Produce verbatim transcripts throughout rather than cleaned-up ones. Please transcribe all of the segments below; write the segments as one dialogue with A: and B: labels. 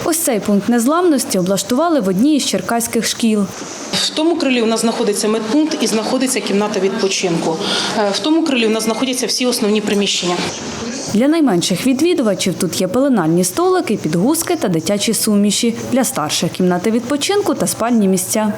A: Ось цей пункт незламності облаштували в одній із черкаських шкіл.
B: В тому крилі у нас знаходиться медпункт і знаходиться кімната відпочинку. В тому крилі у нас знаходяться всі основні приміщення.
A: Для найменших відвідувачів тут є пеленальні столики, підгузки та дитячі суміші. Для старших – кімнати відпочинку та спальні місця.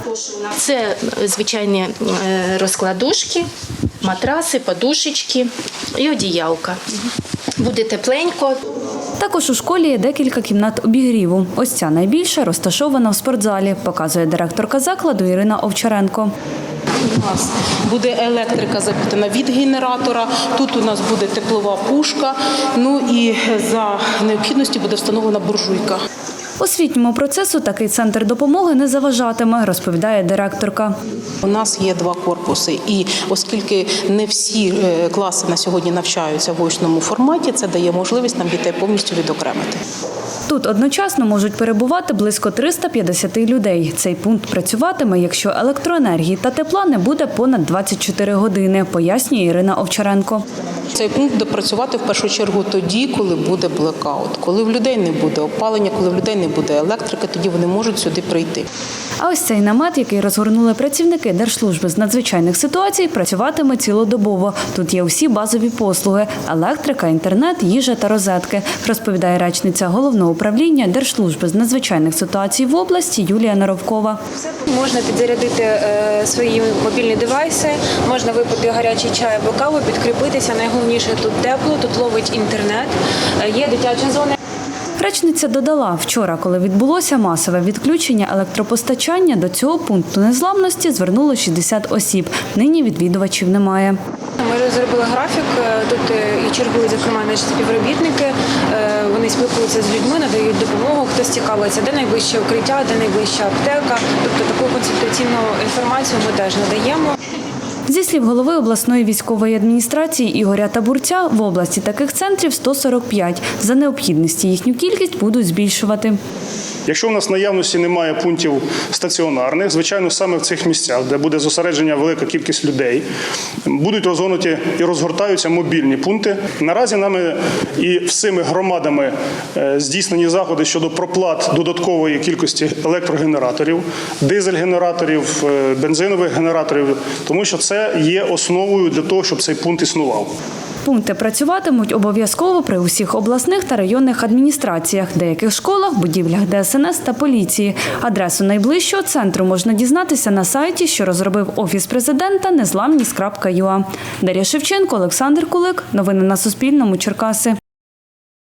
C: Це звичайні розкладушки, матраси, подушечки і одіялка. Буде тепленько.
A: Також у школі є декілька кімнат обігріву. Ось ця найбільша розташована в спортзалі, показує директорка закладу Ірина Овчаренко.
B: У нас буде електрика запитана від генератора, тут у нас буде теплова пушка, ну і за необхідності буде встановлена буржуйка.
A: Освітньому процесу такий центр допомоги не заважатиме, розповідає директорка.
B: У нас є два корпуси, і оскільки не всі класи на сьогодні навчаються в очному форматі, це дає можливість нам дітей повністю відокремити.
A: Тут одночасно можуть перебувати близько триста п'ятдесят людей. Цей пункт працюватиме, якщо електроенергії та тепла не буде понад двадцять чотири години, пояснює Ірина Овчаренко.
B: Цей пункт буде працювати в першу чергу тоді, коли буде блекаут. Коли в людей не буде опалення, коли в людей не буде електрики, тоді вони можуть сюди прийти.
A: А ось цей намет, який розгорнули працівники Держслужби з надзвичайних ситуацій, працюватиме цілодобово. Тут є усі базові послуги – електрика, інтернет, їжа та розетки, розповідає речниця Головного управління Держслужби з надзвичайних ситуацій в області Юлія Наровкова.
D: Можна підзарядити е, свої мобільні девайси, можна випити гарячий чай або каву, підкріпитися. Найголовніше тут тепло, тут ловить інтернет, е, є дитяча зона.
A: Речниця додала, вчора, коли відбулося масове відключення електропостачання, до цього пункту незламності звернуло шістдесят осіб. Нині відвідувачів немає.
D: Ми розробили графік, тут і чергують, зокрема, наші співробітники. Вони спілкуються з людьми, надають допомогу, хтось цікавиться, де найближче укриття, де найближча аптека. Тобто таку консультаційну інформацію ми теж надаємо.
A: Зі слів голови обласної військової адміністрації Ігоря Табурця, в області таких центрів сто сорок п'ять. За необхідності їхню кількість будуть збільшувати.
E: Якщо в нас в наявності немає пунктів стаціонарних, звичайно, саме в цих місцях, де буде зосередження велика кількість людей, будуть розгорнуті і розгортаються мобільні пункти. Наразі нами і всіми громадами здійснені заходи щодо проплат додаткової кількості електрогенераторів, дизель-генераторів, бензинових генераторів, тому що це є основою для того, щоб цей пункт існував.
A: Пункти працюватимуть обов'язково при усіх обласних та районних адміністраціях, деяких школах, будівлях Де Ес Ен Ес та поліції. Адресу найближчого центру можна дізнатися на сайті, що розробив Офіс президента незламність крапка ю а. Дар'я Шевченко, Олександр Кулик. Новини на Суспільному. Черкаси.